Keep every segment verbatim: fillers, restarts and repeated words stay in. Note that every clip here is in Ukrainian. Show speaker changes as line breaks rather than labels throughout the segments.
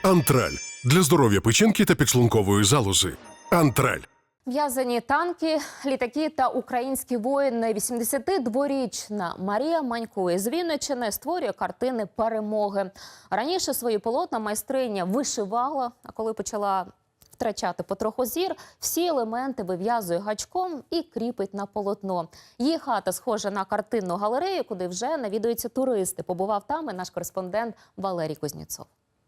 Антраль – для здоров'я печінки та підшлункової залози. Антраль.
В'язані танки, літаки та українські воїни. вісімдесятидворічна Марія Манько із Вінниччини створює картини перемоги. Раніше свої полотна майстриня вишивала, а коли почала втрачати потроху зір, всі елементи вив'язує гачком і кріпить на полотно. Її хата схожа на картинну галерею, куди вже навідуються туристи. Побував там і наш кореспондент Валерій Кузнєцов.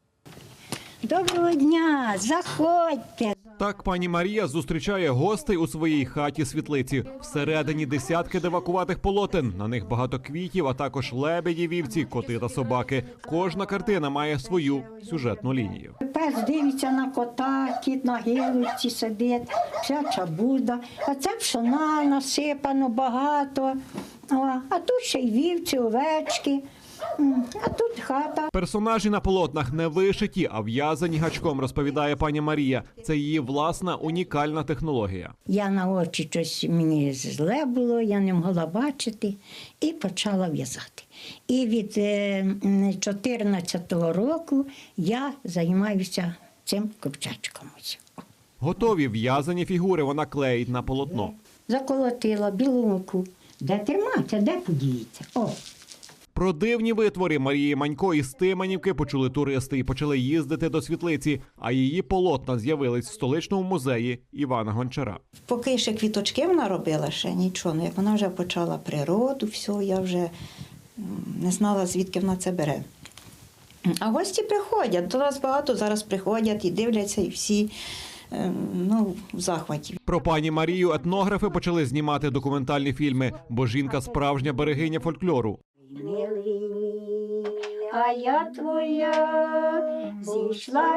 Доброго дня, заходьте.
Так пані Марія зустрічає гостей у своїй хаті-світлиці. Всередині десятки девакуватих полотен. На них багато квітів, а також лебеді, вівці, коти та собаки. Кожна картина має свою сюжетну лінію.
Пес дивиться на кота, кіт на гілочці сидить, вся чабуда. А це пшона насипано багато. О, а тут ще й вівці, овечки. А тут хата.
Персонажі на полотнах не вишиті, а в'язані гачком, розповідає пані Марія. Це її власна унікальна технологія.
Я на очі щось, мені зле було, я не могла бачити і почала в'язати. І від чотирнадцятого року я займаюся цим ковчачком.
Готові в'язані фігури вона клеїть на полотно.
Заколотила білу муку. Де тримати, де подіється? О!
Про дивні витвори Марії Манько із Тиманівки почули туристи і почали їздити до світлиці, а її полотна з'явились в столичному музеї Івана Гончара.
Поки ще квіточки вона робила, ще нічого. Ну, як вона вже почала природу, все, я вже не знала, звідки вона це бере. А гості приходять, до нас багато зараз приходять і дивляться, і всі ну, в захваті.
Про пані Марію етнографи почали знімати документальні фільми, бо жінка справжня берегиня фольклору.
Милий мій, а я твоя, зійшла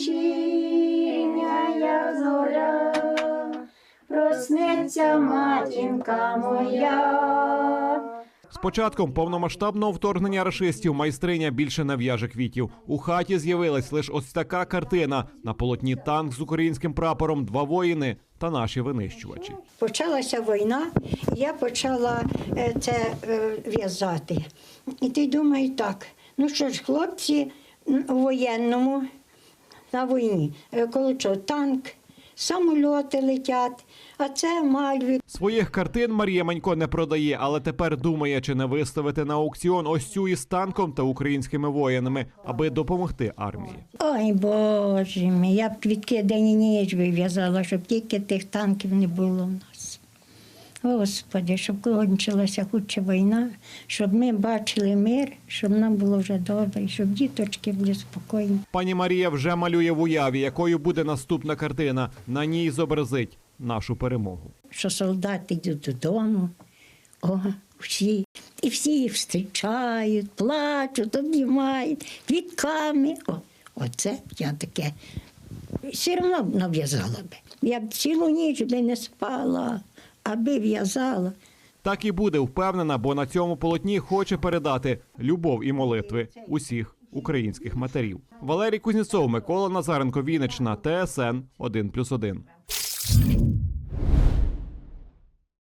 вечірня зоря, проснеться матінка моя.
З початком повномасштабного вторгнення рашистів майстриня більше не в'яже квітів. У хаті з'явилась лише ось така картина. На полотні танк з українським прапором, два воїни та наші винищувачі.
Почалася війна, я почала це в'язати. І ти думаєш так, ну що ж, хлопці у воєнному, на війні, коли що, танк, самольоти летять, а це мальви.
Своїх картин Марія Манько не продає, але тепер думає, чи не виставити на аукціон ось цю із танком та українськими воїнами, аби допомогти армії.
Ой, Боже мій, я б квітки день і ніч вив'язала, щоб тільки тих танків не було в нас. Господи, щоб кончилася хутче війна, щоб ми бачили мир, щоб нам було вже добре, щоб діточки були спокійні.
Пані Марія вже малює в уяві, якою буде наступна картина. На ній зобразить нашу перемогу.
Що солдати йдуть додому, о, всі, і всі їх зустрічають, плачуть, обнімають, квітками. О, оце я таке все одно нав'язала би. Я б цілу ніч би не спала, аби в'язала.
Так і буде, впевнена, бо на цьому полотні хоче передати любов і молитви усіх українських матерів. Валерій Кузнєцов, Микола Назаренко, Вінниччина, Т С Н один плюс один.